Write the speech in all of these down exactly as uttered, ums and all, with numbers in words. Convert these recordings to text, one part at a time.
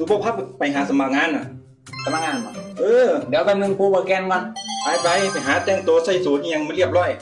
ปภาพไปหาสมัครงานน่ะสมัครงานมาเออเดี๋ยวแป๊บนึงกูเปิดแกนก่อนไปไปไปหาแต่งตัวใส่สูทยังไม่เรียบร้อย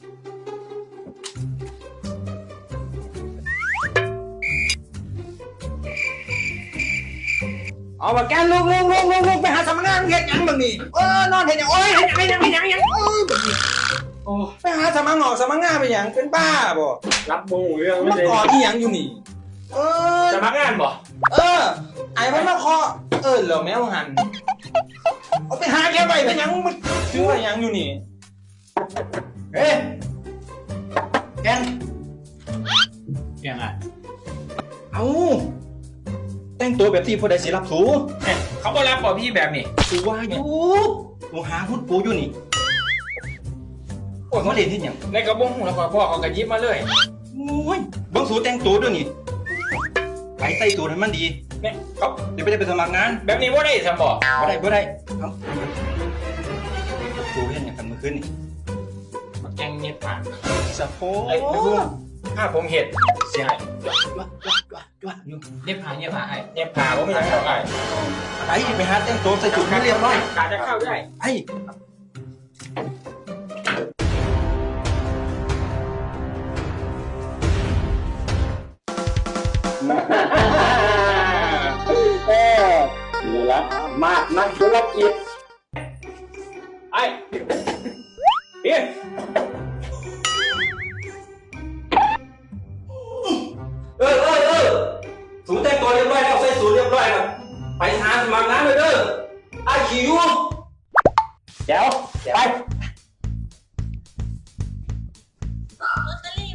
เอาปากแกนลุกลุกลุกลุกลุกไปหาสมัครงานเฮ็ดยังบังนี่เออนอนเฮ็ดยังโอ้ยเฮ็ดยังเฮ็ดยังเฮ็ดยังเออโอ้ไปหาสมัครงานสมัครงานไปหยังเป็นบ้าบ่รับมูเรื่องมันก่อที่ยังอยู่นี่เออสมัครงานบ่เออไอ้มันมาเคาะเออเหลือแมวหันเอาไปหาแกไปเป็นยังมันซื้ออะไรยังอยู่นี่เฮ้ยแกนแกนอ่ะเอาแต่งตัวแบบที่ผู้ใดสิรับสูเขาก็รับบ่พี่แบบนี้สูว่าอยู่กูหาพุทธปูอยู่นี่โอ้ยเขาเล่นที่ยังในกระบงแล้วก็พ่อเขากระยิบมาเลยโอ้ยบังสูแต่งตัวด้วยนี่ไปใส่ตัวให้มันดีเนี่ยเขาเดี๋ยวไปได้ไปสมัครงานแบบนี้ว่าได้สมบ่บ่ได้บ่ได้เอ้าตัวเห็นอย่างกันเมื่อคืนนี่มาแกงเน็ตผ่านสะโพกไอ้ไม่รู้ถ้าผมเห็ดเสียหายจ้วจ้วจ้วจ้วอยู่เน็ตผ่านเน็ตผ่านไอ้เน็ตผ่านผมไม่อยากเข้าไอ้ไปไปหาแต่งตัวใส่จุดให้เรียบร้อยกาจะเข้าได้ไอ้เออนี่ละมากนักธุรกิจไอ้เฮ้ยเออเออเออสูแต่งตัวเรียบร้อยแล้วใส่สูทเรียบร้อยแล้วไปหาสมัครงานเลยเด้อไอ้ขี้ยูเดี๋ยวไปลอตเตอรี่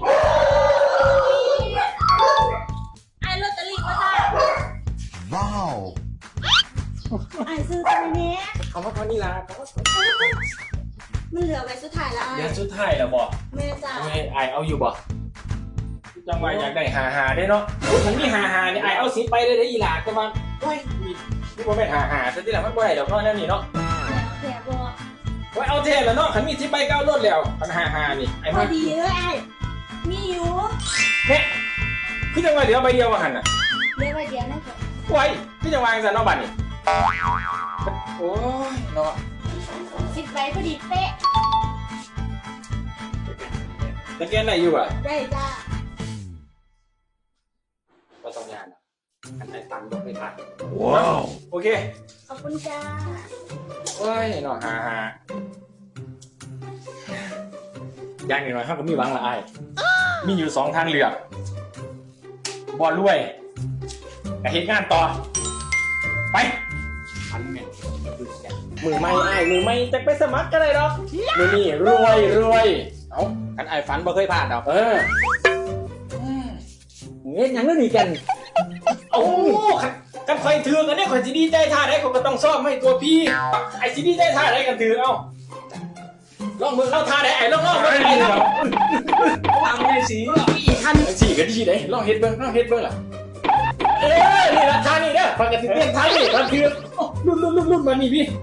ไอ้ลอตเตอรี่มาจ้าว้าวไอ้ซื้อตัวนี้เขาว่าเท่านี้ละเขาว่ามันเหลือไว้สุดท้ายแล้วเดี๋ยวสุดท้ายแล้วบ่แม่จ้าไอ้ไอเอาอยู่บ่จังหวะอยากได้หาหาได้เนาะมันมีหาหาเนี่ยไอเอาสิไปได้ได้อีหลาจะมาโอ้ยนี่บ่แม่นหาหาซะที่หลังมันบ่ได้ดอกเนาะนั่นนี่เนาะแถบบ่ว่าเอาเทแล้วเนาะขันมีสิไปเก้ารถแล้วปัญหาหานี่ไอ้พอดีเลยไอ้มีอยู่เนี่ยคือจังหวะเดี๋ยวใบเดียวมาหันน่ะเดี๋ยวใบเดียวนั่นค่ะไว้คือจังหวะจังเนาะบัดนี่โอ้ยเนาะสิบใบพอดีเป๊ะตะเกียนไหนอยู่อ่ะได้จ้าก็ต้องงานอันไหนตังยกไม่ทันว้าวโอเคขอบคุณจ้าโอ้ยเนาะหาหาอย่างหน่อยๆเขาก็มีหวังละไอ้มีอยู่สองทางเลือกบอลรวยกับเหตุงานต่อไปพันเมตรมือไม่ไอ้มือไม่จะไปสมัครก็ได้หรอกมือนี่รวยรวยเอ้ากันไอ้ฝันบ่เคยพลาดหรอกเออเงี้ยยังนั่นนี่กันโอ้กันคอยถือกันเนี่ยคอยจีดีใจท่าได้คนก็ต้องซ่อมให้ตัวพี่ไอ้จีดีใจท่าได้กันถือเอาลองมือเข้าท่าได้ไอ้ลองลองมือไอ้ครับวางในสีอีกท่านสีก็ดีเลยลองเฮ็ดเบิ้งลองเฮ็ดเบิ้งล่ะเอ้ยนี่ละท่านี่เด้อฟังกันติเต้นท่านี่ท่าคือรุ่นรุ่นรุ่นรุ่นมานี่พี่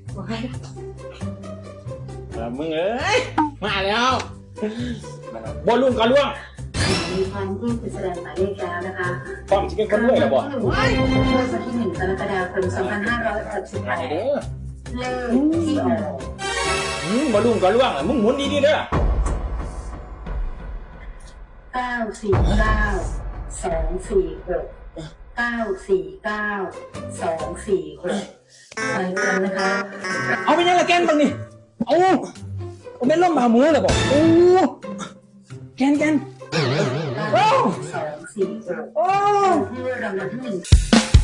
มึงเอ้ยมาแล้วบอลลุ่มกันล่วงมีความที่จะแสดงหมายเลขแล้วนะคะความจริงเป็นคนรวยหรอบ่เมื่อวันที่หนึ่งกรกฎาคมสองพันห้าร้อยหกสิบแปดเลขที่ออกอืมบอลลุ่มกันล่วงมึงหมุนดีๆเด้อเก้าสี่เก้าสองสี่หกเก้าสี่เก้าสองสี่หกไปกันนะคะเอาไปยังละแกนบ้างนี่เอาเอาเป็นล่มบาหมูเลยบอกโอ้แกนแกนสองสี่หกโอ้เพื่อรางวัลที่หนึ่ง